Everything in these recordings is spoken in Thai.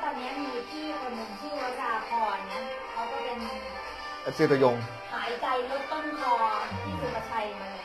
วันนี้มีพี่คนหนึ่งชื่อวราพรนะเขาก็เป็นชื่อตัวยงหายใจลดต้นคอที่สุภชัยมาเลย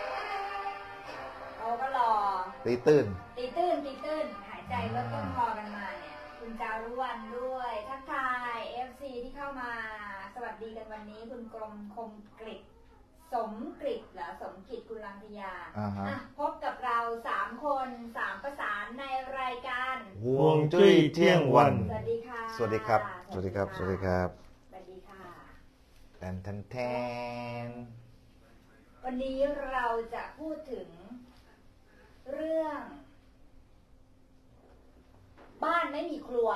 เขาก็รอตีตื้นหายใจลดต้นคอกันมาเนี่ยคุณจารุวรรณด้วยทักทาย FC ที่เข้ามาสวัสดีกันวันนี้คุณกรมคมกฤษสมกฤษเหรอสมกิจกุลังทยาพบกับเรา3คน3ประสานในรายการห่วงจุ้ยเที่ยงวันสวัสดีค่ะสวัสดีครับสวัสดีครับสวัสดีครับสวัสดีค่ะแทนวันนี้เราจะพูดถึงเรื่องบ้านไม่มีครัว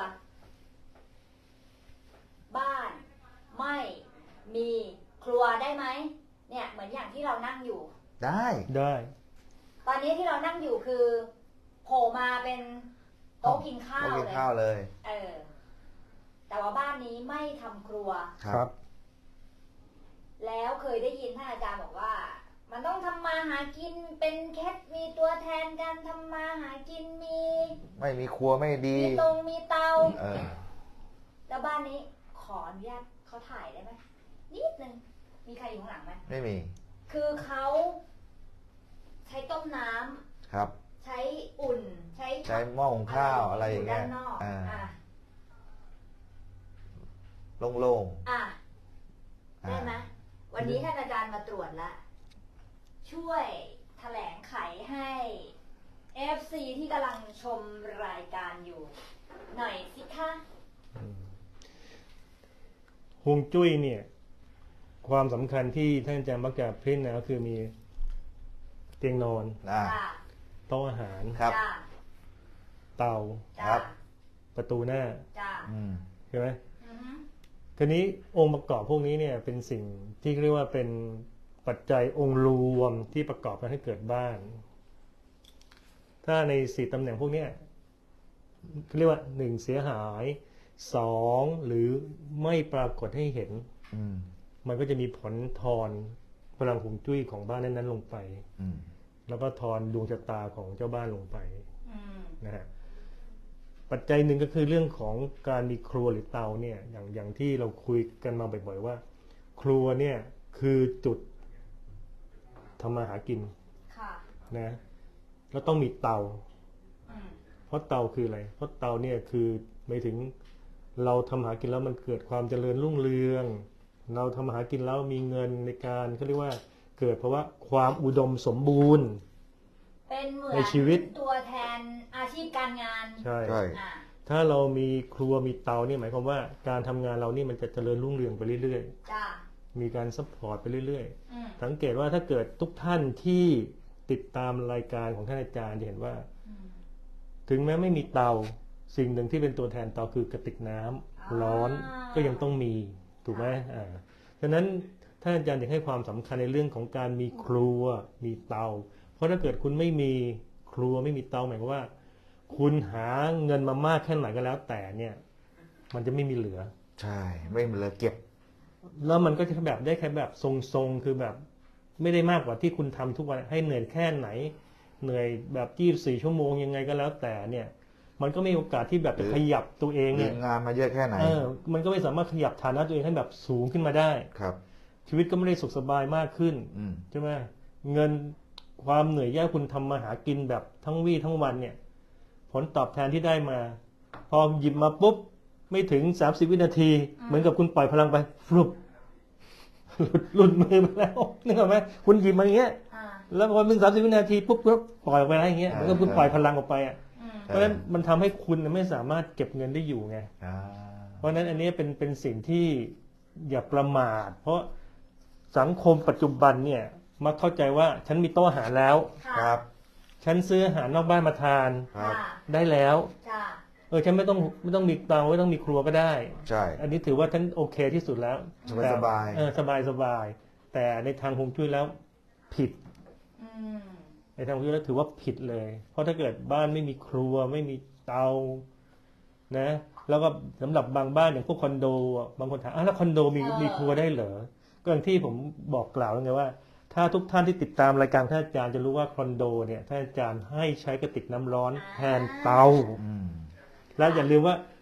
บ้านไม่มีครัวได้ไหมเนี่ยเหมือนอย่างที่เรานั่งอยู่ได้ตอนนี้ที่เรานั่งอยู่คือโผล่มาเป็นโต๊ะกินข้าวเลยแต่ว่าบ้านนี้ไม่ทำครัวครับแล้วเคยได้ยินท่านอาจารย์บอกว่ามันต้องทำมาหากินเป็นแคทมีตัวแทนการทำมาหากินไม่มีครัวไม่ดีมีเตาแล้วบ้านนี้ขออนุญาตเขาถ่ายได้ไหมนิดนึงมีใครอยู่ข้างหลังไหมไม่มีคือเขาใช้ต้มน้ำครับใช้อุ่นใช้หม้อหุงข้าวอะไรอย่างเงี้ยโล่งๆได้ไหมวันนี้ท่านอาจารย์มาตรวจแล้วช่วยแถลงไขให้ FC ที่กำลังชมรายการอยู่หน่อยสิคะฮวงจุ้ยเนี่ยความสำคัญที่ท่านอาจารย์มักจะเพ้นนะก็คือมีเตียงนอนโต๊ะอาหารเตาประตูหน้าใช่ไหมทีนี้องค์ประกอบพวกนี้เนี่ยเป็นสิ่งที่เรียกว่าเป็นปัจจัยองค์รวมที่ประกอบกันให้เกิดบ้านถ้าใน4ตำแหน่งพวกนี้เรียกว่า1เสียหาย2หรือไม่ปรากฏให้เห็นมันก็จะมีผลทอนพลังฮวงจุ้ยของบ้านนั้นๆลงไปแล้วก็ทอนดวงชะตาของเจ้าบ้านลงไปนะฮะปัจจัยหนึ่งก็คือเรื่องของการมีครัวหรือเตาเนี่ยอย่างที่เราคุยกันมาบ่อยๆว่าครัวเนี่ยคือจุดทำมาหากินนะแล้วต้องมีเตาเพราะเตาคืออะไรเพราะเตาเนี่ยคือหมายถึงเราทำหากินแล้วมันเกิดความเจริญรุ่งเรืองเราทำหากินแล้วมีเงินในการเขาเรียกว่าเกิดเพราะว่าความอุดมสมบูรณ์เป็นเหมือนในชีวิตตัวแทนอาชีพการงานใช่ถ้าเรามีครัวมีเตาเนี่ยหมายความว่าการทำงานเรานี่มันจะเจริญรุ่งเรืองไปเรื่อยๆมีการซัพพอร์ตไปเรื่อยๆสังเกตว่าถ้าเกิดทุกท่านที่ติดตามรายการของท่านอาจารย์จะเห็นว่าถึงแม้ไม่มีเตาสิ่งหนึ่งที่เป็นตัวแทนเตาคือกระติกน้ำร้อนก็ยังต้องมีถูกไหมฉะนั้นท่านอาจารย์อยากให้ความสำคัญในเรื่องของการมีครัวมีเตาเพราะถ้าเกิดคุณไม่มีครัวไม่มีเตาหมายความว่าคุณหาเงินมามากแค่ไหนก็แล้วแต่เนี่ยมันจะไม่มีเหลือใช่ไม่มีเหลือเก็บแล้วมันก็จะแบบได้แค่แบบทรงๆคือแบบไม่ได้มากกว่าที่คุณทำทุกวันให้เหนื่อยแค่ไหนเหนื่อยแบบ24 ชั่วโมงยังไงก็แล้วแต่เนี่ยมันก็ไม่มีโอกาสที่แบบจะขยับตัวเองเนี่ยงานมาเยอะแค่ไหนมันก็ไม่สามารถขยับฐานะตัวเองให้แบบสูงขึ้นมาได้ครับชีวิตก็ไม่ได้สุขสบายมากขึ้นใช่ไหมเงินความเหนื่อยยากคุณทำมาหากินแบบทั้งวี่ทั้งวันเนี่ยผลตอบแทนที่ได้มาพอหยิบมาปุ๊บไม่ถึง30 วินาทีเหมือนกับคุณปล่อยพลังไปฟลุปหลุดมือไปแล้วนึกออกไหมคุณหยิบมาอย่างเงี้ยแล้วพอถึง30 วินาทีปุ๊บก็ปล่อยไปอะไรอย่างเงี้ยมันก็คุณปล่อยพลังออกไปเพราะฉะนั้นมันทำให้คุณไม่สามารถเก็บเงินได้อยู่ไงเพราะฉะนั้นอันนี้เป็นสิ่งที่อย่าประมาทเพราะสังคมปัจจุบันเนี่ยมักเข้าใจว่าฉันมีโต๊ะอาหารแล้วฉันซื้ออาหารนอกบ้านมาทานได้แล้วฉันไม่ต้องมีเตาไม่ต้องมีครัวก็ได้ใช่อันนี้ถือว่าฉันโอเคที่สุดแล้วสบายสบายแต่ในทางฮวงจุ้ยแล้วผิดในทางฮวงจุ้ยแล้วถือว่าผิดเลยเพราะถ้าเกิดบ้านไม่มีครัวไม่มีเตานะแล้วก็สำหรับบางบ้านอย่างพวกคอนโดบางคนถามแล้วคอนโดมีครัวได้เหรอก็อย่างที่ผมบอกกล่าวแล้วไงว่าถ้าทุกท่านที่ติดตามรายการท่านอาจารย์จะรู้ว่าคอนโดเนี่ยท่านอาจารย์ให้ใช้กระติกน้ำร้อนแทนเตาแล้วอย่าลืมว่า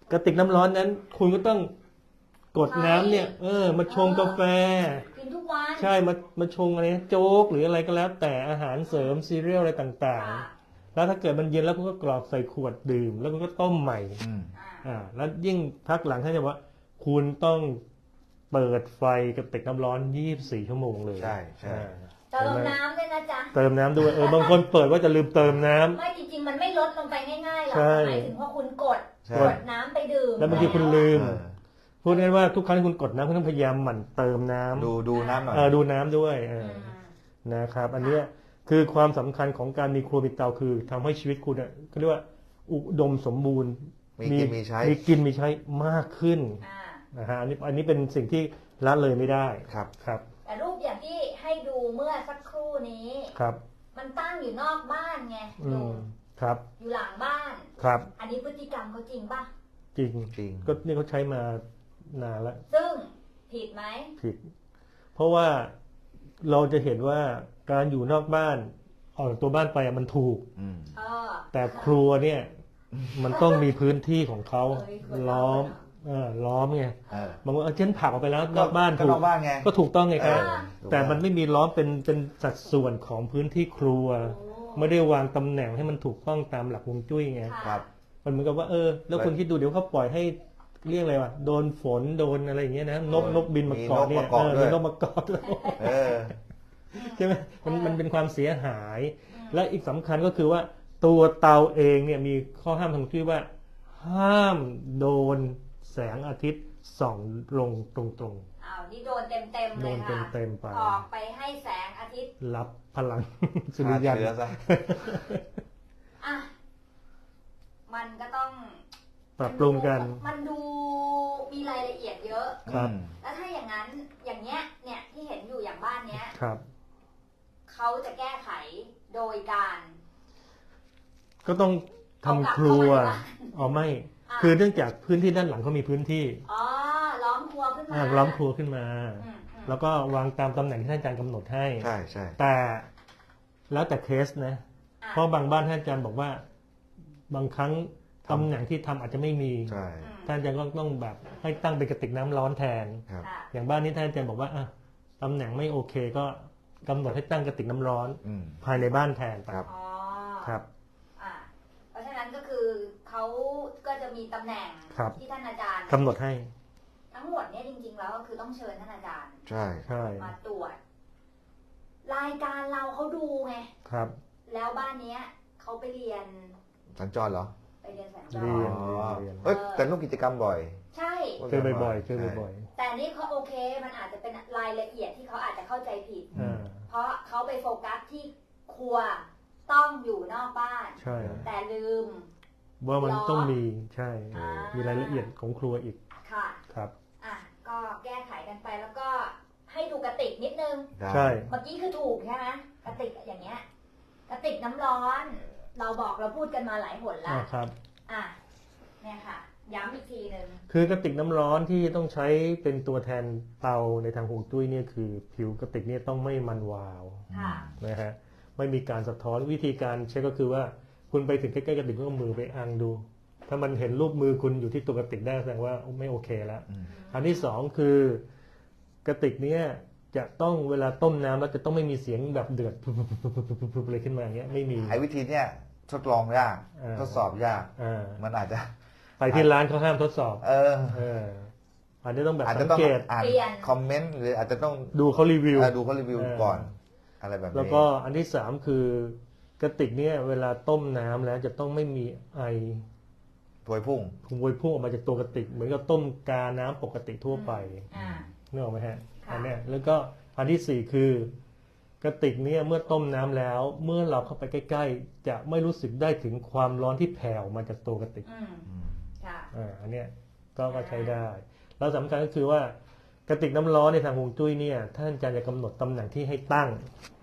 กระติกน้ำร้อนนั้น คุณก็ต้องกดน้ำเนี่ยมาชงกาแฟกินทุกวันใช่มาชงอะไรนะโจ๊กหรืออะไรก็แล้ว แต่อาหารเสริมซีเรียลอะไรต่างค่ะๆ แล้วถ้าเกิดมันเย็นแล้วคุณก็กรอกใส่ขวดดื่ม แล้วคุณก็ต้มใหม่อืมแล้วยิ่งพักหลังท่านจะว่า คุณต้องเปิดไฟกระติกน้ำร้อน24 ชั่วโมงเลยใช่ใช่เติมน้ำด้วยนะจ๊ะเติมน้ำด้วยบางคนเปิดว่าจะลืมเติมน้ำไม่จริงๆมันไม่ลดลงไปง่ายๆหรอกใช่หมายถึงพอคุณกดใช่กดน้ำไปดื่มแล้วบางทีคุณลืมเออพูดง่ายๆว่าทุกครั้งที่คุณกดน้ำคุณต้องพยายามหมั่นเติมน้ำดูน้ำหน่อยดูน้ำด้วยอืมนะครับ อันเนี้ยคือความสำคัญของการมีครัวมีเตาคือทำให้ชีวิตคุณเขาเรียกว่าอุดมสมบูรณ์มีกินมีใช้มีกินมีใช้มากขึ้นอ่านะฮะอันนี้เป็นสิ่งที่ละเลยไม่ได้ครับครับแต่รูปอย่างที่ให้ดูเมื่อสักครู่นี้ครับมันตั้งอยู่นอกบ้านไงอืลุมงครับอยู่หลังบ้านครับอันนี้พฤติกรรมเขาจริงป่ะจริงจริงก็นี่เขาใช้มานานแล้วซึ่งผิดไหมผิด เพราะว่าเราจะเห็นว่าการอยู่นอกบ้านออกจากตัวบ้านไปมันถูกอืมเออแต่ครัวเนี่ยมันต้องมีพื้นที่ของเขาเอ้ยครัวล้อมล้อมไงเออบางคนเช่นผักออกไปแล้วนอกบ้านก็ถูนกอกบ้านไงก็ถูกต้องไงครับเออถูกแต่มันไม่มีล้อมเป็นสัดส่วนของพื้นที่ครัวโอ้ไม่ได้วางตำแหน่งให้มันถูกต้องตามหลักฮวงจุ้ยไงค่ะครับมันเหมือนกับว่าแล้วคุณคิดดูเดี๋ยวเขาปล่อยให้เรียกอะไรวะโดนฝนโดนอะไรอย่างเงี้ยนะนกบินมาเกาะเนี่ยมีนกมาเกาะด้วยมีนกมาเกาะด้วยเออใช่ไหมมันเป็นความเสียหาย และอีกสำคัญก็คือว่าตัวเตาเองเนี่ยมีข้อห้ามทางฮวงจุ้ยว่า ห้ามโดนแสงอาทิตย์ส่องลงตรงอ้าวนี่โดนเต็มๆๆเลโดยนค่ะเต็มๆไปออกไปให้แสงอาทิตย์รับพลัง สุฆ่าริยันเชื้อซะอ่ะมันก็ต้องปรับปรุงกันมันดูมีรายละเอียดเยอะครับแล้วถ้าอย่างนั้นอย่างเนี้ยเนี่ยที่เห็นอยู่อย่างบ้านเนี้ยครับเขาจะแก้ไขโดยการก็ต้องทำครัวอ๋อไม่ คือเนื่องจากพื้นที่ด้านหลังเขามีพื้นที่อ๋อล้อมครัวขึ้นมาล้อมครัวขึ้นมาอืมแล้วก็วางตามตำแหน่งที่ท่านอาจารย์กำหนดให้ใช่ใช่แต่แล้วแต่เคสนะอ่ะเพราะบางบ้านท่านอาจารย์บอกว่า บางครั้งตำแหน่งที่ทำอาจจะไม่มีใช่อืมท่านอาจารย์ก็ต้องแบบให้ตั้งเป็นกระติกน้ำร้อนแทนครับค่ะอย่างบ้านนี้ท่านอาจารย์บอกว่าตำแหน่งไม่โอเคก็กำหนดให้ตั้งกระติกน้ำร้อนอืมภายในบ้านแทนไปครับอ๋อครับอ่ะเพราะฉะนั้นก็คือเขาก็จะมีตำแหน่งครับที่ท่านอาจารย์กำหนดให้ทั้งหมดเนี่ยจริงๆแล้วก็คือต้องเชิญท่านอาจารย์ใช่ใช่มาตรวจ รายการเราเขาดูไงครับแล้วบ้านเนี้ยเขาไปเรียนสัญจรเหรอไปเรียนสัญจเรียนรอ๋อเรียนเอ้ยแต่ร่วมกิจกรรมบ่อยใช่เจอบ่อยๆเจอบ่อยแต่นี่เขาโอเค มันอาจจะเป็นรายละเอียดที่เขาอาจจะเข้าใจผิดๆอ่าเพราะเขาไปโฟกัสที่ครัวต้องอยู่นอกบ้านใช่แต่ลืมว่ามันต้องมีใช่อ่ามีมีรายละเอียดของครัวอีกค่ะครับอ่ะ ก็แก้ไขกันไปแล้วก็ให้ดูกระติกนิดนึงได้ใช่เมื่อกี้คือถูกใช่ไหมกระติกอย่างเงี้ย กระติกน้ำร้อน เราบอกเราพูดกันมาหลายหนละครับอ่ะ เนี่ยค่ะ ย้ำอีกทีหนึ่งคือกระติกน้ำร้อนที่ต้องใช้เป็นตัวแทนเตาในทางฮวงจุ้ยเนี่ยคือผิวกระติกเนี่ยต้องไม่มันวาวค่ะนะฮะไม่มีการสะท้อนวิธีการเช็คก็คือว่าคุณไปถึงใกล้ๆกระติกก็เอามือไปอังดู ถ้ามันเห็นรูปมือคุณอยู่ที่ตัวกระติกได้แสดงว่าไม่โอเคแล้วอืมอันที่สองคือกระติกเนี้ยจะต้องเวลาต้มน้ำแล้วจะต้องไม่มีเสียงแบบเดือดปุ๊บๆเลยขึ้นมาอย่างเงี้ยไม่มีไอ้วิธีเนี้ยทดลองยากอ่าทดสอบยากอ่ามันอาจจะไปที่ร้านเขาห้ามทดสอบเอออันนี้ต้องแบบอาจสัจะงต้องเกตอ่านเปลี่ยนคอมเมนต์หรืออาจจะต้องดูเขารีวิวดูเขารีวิวเออก่อน อะไรแบบนี้แล้วก็อันที่สามคือกระติกเนี่ยเวลาต้มน้ำแล้วจะต้องไม่มีไอถวยพุ่งพวยพุ่งออกมาจากตัวกระติก เหมือนกับต้มกาน้ำปกติทั่วไปอ่านึกออกไหมฮะค่ะอันเนี้ยแล้วก็อันที่สี่คือกระติกเนี่ยเมื่อต้มน้ำแล้ว เมื่อเราเข้าไปใกล้ๆ จะไม่รู้สึกได้ถึงความร้อนที่แผ่ออกมาจากตัวกระติกอืมค่ะอันเนี้ยก็ใช้ได้ แล้วสำคัญก็คือว่ากระติกน้ำร้อนในทางฮวงจุ้ยเนี่ยท่านอาจารย์จะกำหนดตำแหน่งที่ให้ตั้ง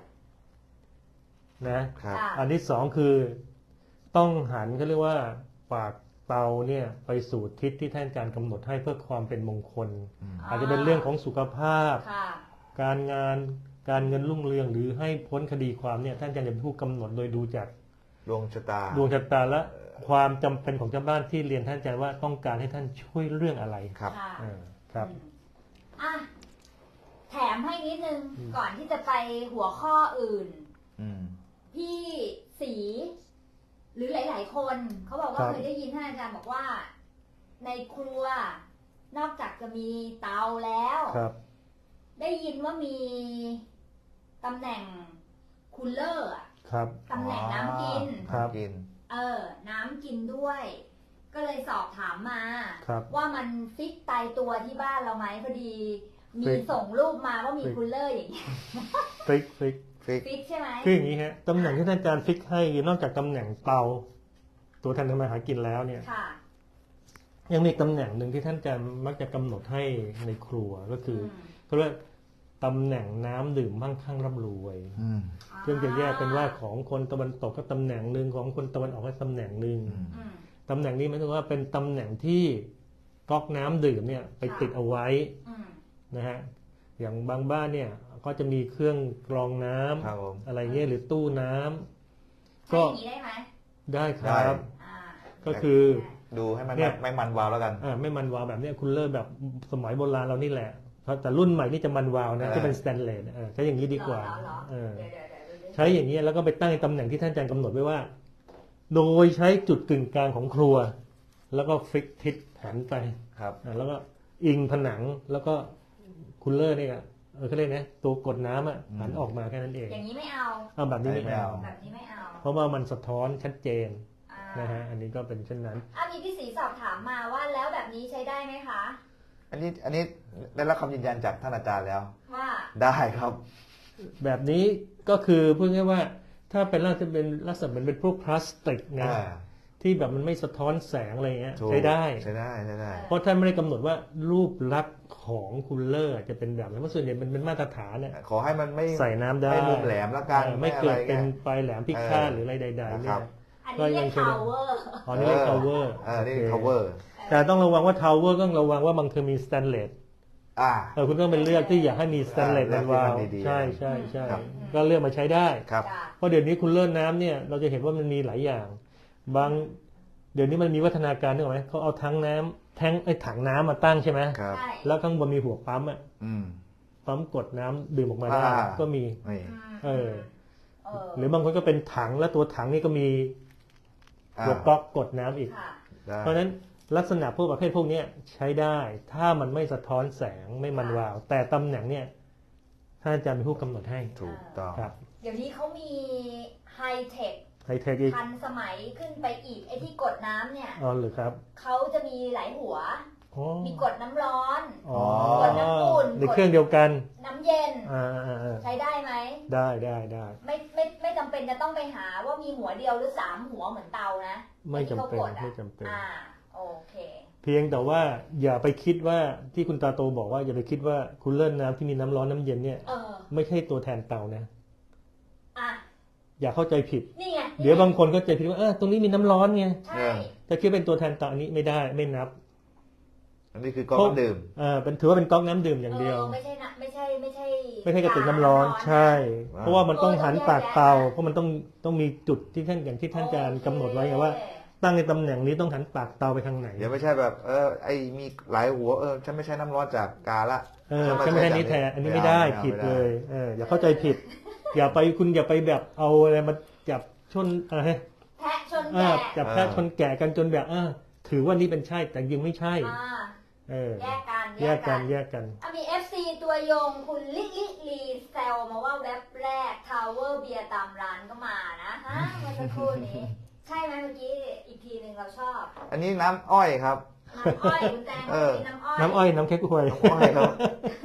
นะครับค่ะอันที่สองคือต้องหันเขาเรียกว่าปากเตาเนี่ยไปสู่ทิศที่ท่านอาจารย์กำหนดให้เพื่อความเป็นมงคล อาจจะเป็นเรื่องของสุขภาพค่ะการงานการเงินรุ่งเรืองหรือให้พ้นคดีความเนี่ยท่านอาจารย์จะเป็นผู้กำหนดโดยดูจากดวงชะตาดวงชะตาและความจำเป็นของเจ้าบ้านที่เรียนท่านอาจารย์ว่าต้องการให้ท่านช่วยเรื่องอะไรครับค่ะครับอ่ะแถมให้นิดนึงก่อนที่จะไปหัวข้ออื่นอืมพี่สีหรือหลาย ๆ คนเขาบอกว่าครับเคยได้ยินท่านอาจารย์บอกว่า ในครัวนอกจากจะมีเตาแล้วครับได้ยินว่ามีตำแหน่งคูลเลอร์อะครับตำแหน่งน้ำกินครับกินน้ำกินด้วย ก็เลยสอบถามมาครับว่ามันฟิกตายตัวที่บ้านเราไหมพอดี มีฟิกส่งรูปมาว่ามีฟิกคูลเลอร์อย่างเงี้ยฟิกฟิกฟิกใช่ไหมคืออย่างนี้ฮะตำแหน่งที่ท่านอาจารย์ฟิกให้นอกจากตำแหน่งเตา ตัวท่านทำมาหากินแล้วเนี่ยค่ะยังมีตำแหน่งหนึ่งที่ท่านอาจารย์มักจะกำหนดให้ในครัวก็คือเขาเรียกตำแหน่งน้ำดื่มมั่งคั่งร่ำรวยอืมซึ่งจะแยกเป็นว่าของคนตะวันตกก็ตำแหน่งหนึ่งของคนตะวันออกก็ตำแหน่งหนึ่งอืมอืมตำแหน่งนี้หมายถึงว่าเป็นตำแหน่งที่ก๊อกน้ำดื่มเนี่ยไปติดเอาไว้อืมนะฮะอย่างบางบ้านเนี่ยก็จะมีเครื่องกรองน้ำครับผมอะไรเงี้ยหรือตู้น้ำใช้ก็อย่างนี้ได้ไหมได้ครับอ่าก็คือดูให้มันเนี่ยไม่มันวาวแล้วกันไม่มันวาวแบบเนี้ยคุณเลิศแบบสมัยโบราณเรานี่แหละแต่รุ่นใหม่นี่จะมันวาวนะที่เป็นสแตนเลสใช้อย่างนี้ดีกว่าเหรอเออเดี๋ยวใช้อย่างนี้แล้วก็ไปตั้งในตำแหน่งที่ท่านอาจารย์กำหนดไว้ว่า โดยใช้จุดกึ่งกลางของครัว แล้วก็ฟลิกทิศหันไปครับแล้วก็อิงผนังแล้วก็คูลเลอร์เนี่ยเขาเรียกนะตัวกดน้ำหันออกมาแค่นั้นเองอย่างนี้ไม่เอาเอาแบบนี้ไม่เอาแบบนี้ไม่เอาเพราะว่ามันสะท้อนชัดเจนอ่านะฮะอันนี้ก็เป็นเช่นนั้นมีพี่สีสอบถามมาว่าแล้วแบบนี้ใช้ได้ไหมคะอันนี้ได้รับคำยืนยันจากท่านอาจารย์แล้วว่าได้ครับแบบนี้ก็คือพูดง่ายๆว่าถ้าเป็นลักษณะเป็นพวกพลาสติกนะอ่าที่แบบมันไม่สะท้อนแสงอะไรเงี้ยถูกใช้ได้ใช้ได้ใช้ได้เพราะท่านไม่ได้กำหนดว่ารูปลักษณ์ของคูลเลอร์จะเป็นแบบไหนเพราะส่วนใหญ่มันเป็นมาตรฐานเนี่ยขอให้มันไม่ใส่น้ำได้ไม่มุมแหลมแล้วกันไม่เกิดอะไรเป็นงี้ยปลายแหลมพิฆาตหรืออะไรใดๆนะคเนี่รัยบอันนี้เรียก power อ๋อนี่เรียก cover นี่โอเค cover แต่ต้องระวังว่า tower ต้องระวังว่าบางทีมีสแตนเลส คุณต้องเป็นเลือกที่อยากให้มีสแตนเลสเลืมัอกนวาวที่มันดีๆใช่ใช่ใช่ครับก็เลือกมาใช้ได้ครับจ้ะเพราะเดี๋ยวนี้คุณเลื่อนน้ำเนี่ยเราจะเห็นว่ามันมีหลายอย่าง บางเดี๋ยวนี้มันมีวัฒนาการนึกออกไหมเขาเอาถังน้ำถังน้ำมาตั้งใช่ไหมครับใช่แล้วข้างบนมีหัวปั๊มอ่ะอืมปั๊มกดน้ำดื่มออกมาได้อ่าก็มีนี่เออเออหรือบางคนก็เป็นถังแล้วตัวถังนี่ก็มีหัวก๊อกกดน้ำอีกค่ะได้เพราะฉะนั้นลักษณะพวกประเภทพวกเนี้ยใช้ได้ ถ้ามันไม่สะท้อนแสงไม่มันวาว แต่ตำแหน่งเนี่ยท่านอาจารย์เป็นผู้กำหนดให้ถูกต้องครับเดี๋ยวนี้เขามีไฮเทคไฮเทคอีกทันสมัยขึ้นไปอีกไอ้ที่กดน้ำเนี่ยอ๋อหรือครับเขาจะมีหลายหัวอ๋อมีกดน้ำร้อนอ๋อกดน้ำอุ่นในเครื่องเดียวกันน้ำเย็นอ่าใช้ได้ไหมได้ไม่จำเป็นจะต้องไปหาว่ามีหัวเดียวหรือ3หัวเหมือนเตานะไม่จำเป็นที่ขากดอะไม่จำเป็นโอเคเพียงแต่ว่าอย่าไปคิดว่าที่คุณตาโตบอกว่าอย่าไปคิดว่าคุณเลื่อนน้ำที่มีน้ำร้อนน้ำเย็นเนี่ยเออไม่ใช่ตัวแทนเตานะอ่ะอย่าเข้าใจผิดนี่ไงเดี๋ยวบางคนก็ใจผิดว่าตรงนี้มีน้ำร้อนไงใช่จะคิดเป็นตัวแทนเตาอันนี้ไม่ได้ไม่นับอันนี้คือก๊อกน้ำดื่มเป็นถือว่าเป็นก๊อกน้ำดื่มอย่างเดียวไม่ใช่นะไม่ใช่ไม่ใช่กระติกน้ำร้อน ใช่ว้าวเพราะว่ามันต้องหันปากเตา เพราะมันต้องมีจุดที่ท่านอย่างที่ท่านอาจารย์กำหนดไว้ไงว่า ตั้งในตำแหน่งนี้ต้องหันปากเตาไปทางไหนเดี๋ยวไม่ใช่แบบไอ้มีหลายหัวฉันไม่ใช่น้ำร้อนจากกาละใช่ไหมนี้แทนอันนี้ไม่ได้ผิดเลยอย่าเข้าใจผิด อย่าไปแบบเอาอะไรมาจับชนอะไรแพะชนแกะจับแพะชนแกะกันจนแบบถือว่านี่เป็นใช่แต่ยังไม่ใช่แยกกันแยกกันมี FC ตัวยงคุณลิลีแซลมาว่าเว็บแรกทาวเวอร์เบียร์ตามร้านก็มานะฮะเมื่อสักครู่นี้ ใช่ไหมเมื่อกี้อีกทีหนึ่งเราชอบอันนี้น้ำอ้อยครับน้ำอ้อยคุณแจงมีน้ำอ้อยน้ำอ้อยน้ำเค้กหวยอ้อยครับ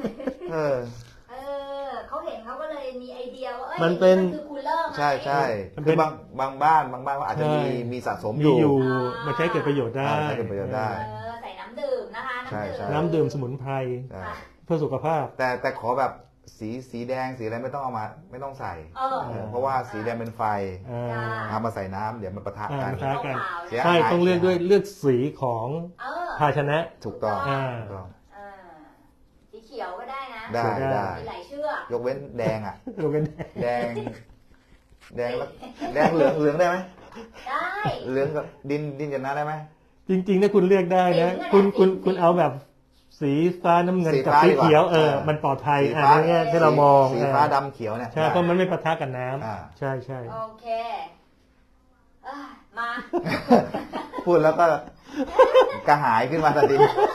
เขาเห็นเขาก็เลยมีไอเดียว่ามันเป็นคือคูลเลอร์ไหมใช่มันเป็คืนอบางบ้านก็อาจจะมีสะสมมีอยู่อยู่มาใช้เกิดประโยชน์ได้ใช้เกิดประโยชน์ได้ใส่น้ำดื่มนะคะใช่ใช่น้ำดื่มสมุนไพรใช่เพื่อสุขภาพแต่ขอแบบสีแดงสีอะไรไม่ต้องเอามาไม่ต้องใส่ เพราะว่าสีแดงเป็นไฟเอามาใส่น้ำเดี๋ยวมันปะทะกันปะทะกันเสียหายใช่ต้องเลือกสีของภาชนะถูกต้องถูกต้องสีเขียวก็ได้นะได้มีหลายเชือกยกเว้นแดงอ่ะยกเว้นแดงแล้วแดงเหลืองได้ไหมได้เหลืองกับดินกับน้ำได้ไหมจริงๆถ้าคุณเลือกได้นะคุณเอาแบบสีฟ้าน้ำเงินกับสีเขียวมันปลอดภัยอันนี้ที่เรามองสีฟ้าดำเขียวเนี่ยใช่เพราะมันไม่ปะทะกับน้ำใช่ใช่โอเคมาพูดแล้วก็กระหายขึ้นมาทันที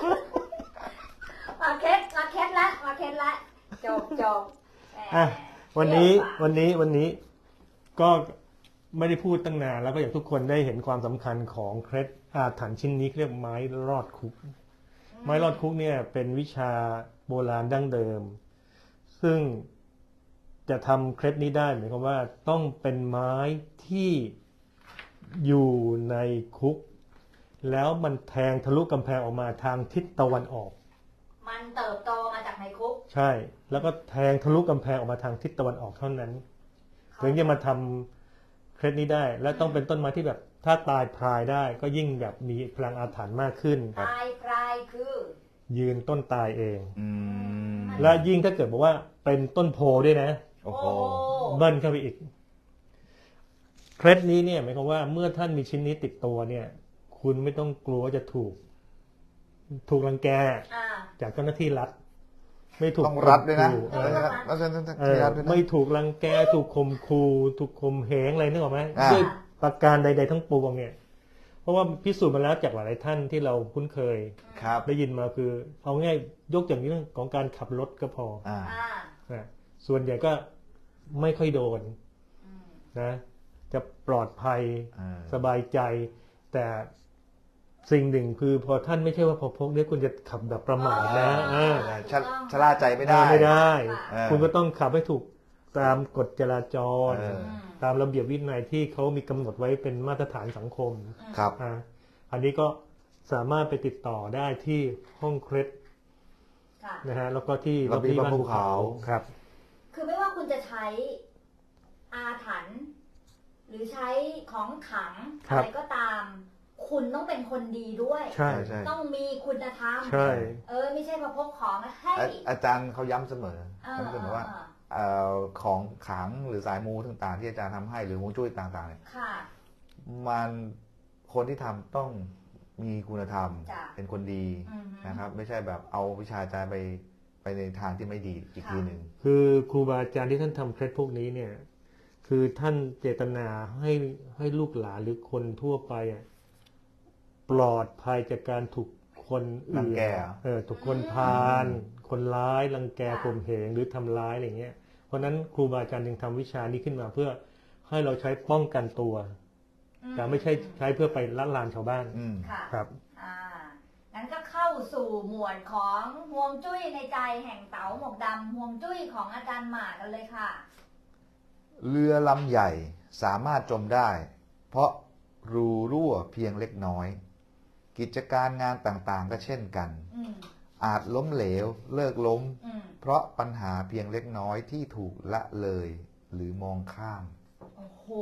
มาเคสละจบวันนี้ก็ไม่ได้พูดตั้งนานแล้วก็อย่างทุกคนได้เห็นความสำคัญของเคล็ดอาถรรพ์ชิ้นนี้เรียกไม้รอดคุกไม้รอดคุกเนี่ยเป็นวิชาโบราณดั้งเดิมซึ่งจะทำเคล็ดนี้ได้หมายความว่าต้องเป็นไม้ที่อยู่ในคุกแล้วมันแทงทะลุกำแพงออกมาทางทิศตะวันออกมันเติบโตมาจากในคุกใช่แล้วก็แทงทะลุกำแพงออกมาทางทิศตะวันออกเท่านั้นถึงจะมาทำเคล็ดนี้ได้และต้องเป็นต้นไม้ที่แบบถ้าตายพรายได้ก็ยิ่งแบบมีพลังอาถรรพ์มากขึ้นตายพรายคือยืนต้นตายเองและยิ่งถ้าเกิดบอกว่าเป็นต้นโพด้วยนะโอ้โหเบิ้ลเข้าไปอีกเคล็ดนี้เนี่ยหมายความว่าเมื่อท่านมีชิ้นนี้ติดตัวเนี่ยคุณไม่ต้องกลัวว่าจะถูกรังแกจากเจ้าหน้าที่รัฐไม่ถูกต้องรัฐด้วยนะไม่ถูกรังแกถูกข่มขู่ถูกข่มเหงอะไรนึกออกไหมด้วยประการใดๆทั้งปวงเนี่ยเพราะว่าพิสูจน์มาแล้วจากหลายท่านที่เราคุ้นเคยได้ยินมาคือเอาง่ายยกอย่างนี้เรื่องของการขับรถก็พอส่วนใหญ่ก็ไม่ค่อยโดนนะจะปลอดภัยสบายใจแต่สิ่งหนึ่งคือพอท่านไม่ใช่ว่าพอพกเนี่ยคุณจะขับแบบประมาทนะชะล่าใจไม่ได้คุณก็ต้องขับให้ถูกตามกฎจราจรตามระเบียบวินัยที่เขามีกำหนดไว้เป็นมาตรฐานสังคมครับอันนี้ก็สามารถไปติดต่อได้ที่ห้องเคล็ดนะฮะแล้วก็ที่ระเบียบภูเขาครับคือไม่ว่าคุณจะใช้อาถรรพ์หรือใช้ของขังอะไรก็ตามคุณต้องเป็นคนดีด้วยต้องมีคุณธรรมไม่ใช่มาพกของให้อาจารย์เขาย้ำเสมอเขาจะบอกว่าของขังหรือสายมูต่างๆที่อาจารย์ทำให้หรือฮวงจุ้ยต่างๆเนี่ยมันคนที่ทำต้องมีคุณธรรมเป็นคนดีนะครับไม่ใช่แบบเอาวิชาอาจารย์ไปในทางที่ไม่ดีอีกทีหนึ่งคือครูบาอาจารย์ที่ท่านทำเคล็ดพวกนี้เนี่ยคือท่านเจตนาให้ลูกหลานหรือคนทั่วไปปลอดภัยจากการถูกคนรังแกถูกคนพาลคนร้ายรังแกข่มเหงหรือทำร้ายอะไรเงี้ยเพราะนั้นครูบาอาจารย์จึงทำวิชานี้ขึ้นมาเพื่อให้เราใช้ป้องกันตัวแต่ไม่ใช่ใช้เพื่อไปละลานชาวบ้านครับงั้นก็เข้าสู่หมวดของฮวงจุ้ยในใจแห่งเต๋าหมวกดำฮวงจุ้ยของอาจารย์หมากันเลยค่ะเรือลำใหญ่สามารถจมได้เพราะรูรั่วเพียงเล็กน้อยกิจการงานต่างๆก็เช่นกันอาจล้มเหลวเลิกล้มเพราะปัญหาเพียงเล็กน้อยที่ถูกละเลยหรือมองข้ามโอ้โห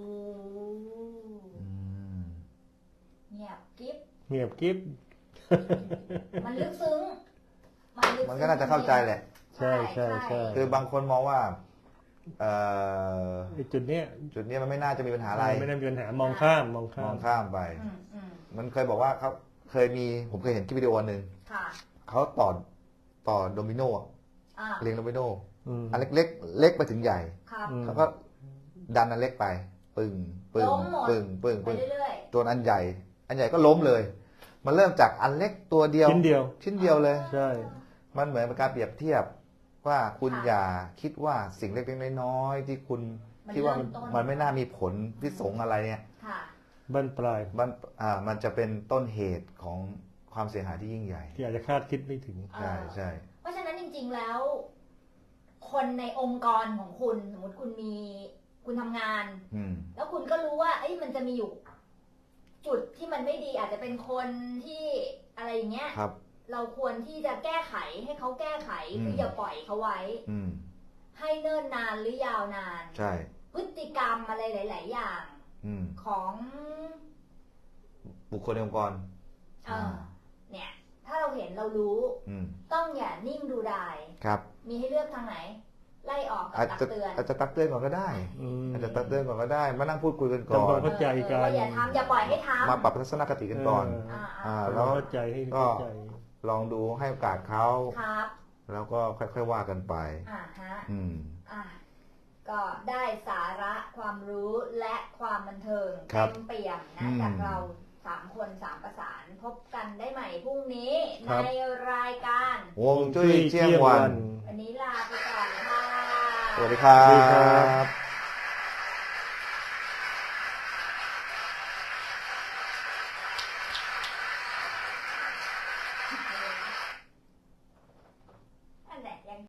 เงียบกิ๊บมันลึกซึ้งมันก็น่าจะเข้าใจแหละใช่คือบางคนมองว่าจุดนี้มันไม่น่าจะมีปัญหาอะไรไม่น่ามีปัญหามองข้ามไปมันเคยบอกว่าเขาผมเคยเห็นคลิปวิดีโอนึงเขาต่อโดมิโนเรียงโดมิโนอันเล็กไปถึงใหญ่แล้วก็ดันอันเล็กไปปึ้งจนอันใหญ่ก็ล้มเลยมันเริ่มจากอันเล็กตัวเดียวชิ้นเดียวเลยใช่มันเหมือนเป็นการเปรียบเทียบว่าคุณอย่าคิดว่าสิ่งเล็กๆน้อยๆที่คุณคิดว่ามันไม่น่ามีผลพิสงอะไรเนี่ยบั้นปลายมันจะเป็นต้นเหตุของความเสียหายที่ยิ่งใหญ่ที่อาจจะคาดคิดไม่ถึงใช่เพราะฉะนั้นจริงๆแล้วคนในองค์กรของคุณสมมติคุณทำงานแล้วคุณก็รู้ว่ามันจะมีอยู่จุดที่มันไม่ดีอาจจะเป็นคนที่อะไรเงี้ยเราควรที่จะแก้ไขให้เขาแก้ไขคืออย่าปล่อยเขาไว้ให้เนิ่นนานหรือยาวนานใช่พฤติกรรมอะไรหลายๆอย่างของบุคคลในองค์กรเนี่ยถ้าเราเห็นเรารู้ต้องอย่านิ่งดูดายครับมีให้เลือกทางไหนไล่ออกกับอาจตักจะเตือนอาจจะตักเตือนก่อนก็ได้ อาจจะตักเตือนก่อนก็ได้มานั่งพูดคุยกันก่อทำความนเข้าใจกันว่าอย่าทำอย่าปล่อยให้ทำมาปรับทัศนคติกันก่อน แล้วเข้าใจให้ก็เข้าใจลองดูให้โอกาสเขาครับแล้วก็ค่อยๆว่ากันไปฮะอืมก็ได้สาระความรู้และความบันเทิงครัเต็บมเปี่ยมอืนะมจากเรา3 คน 3 ประสานพบกันได้ใหม่พรุ่งนี้ครัในบรายการฮวงจุ้ยเที่ยงวันวันนี้ลาไปก่อนค่ะสวัสดีครับ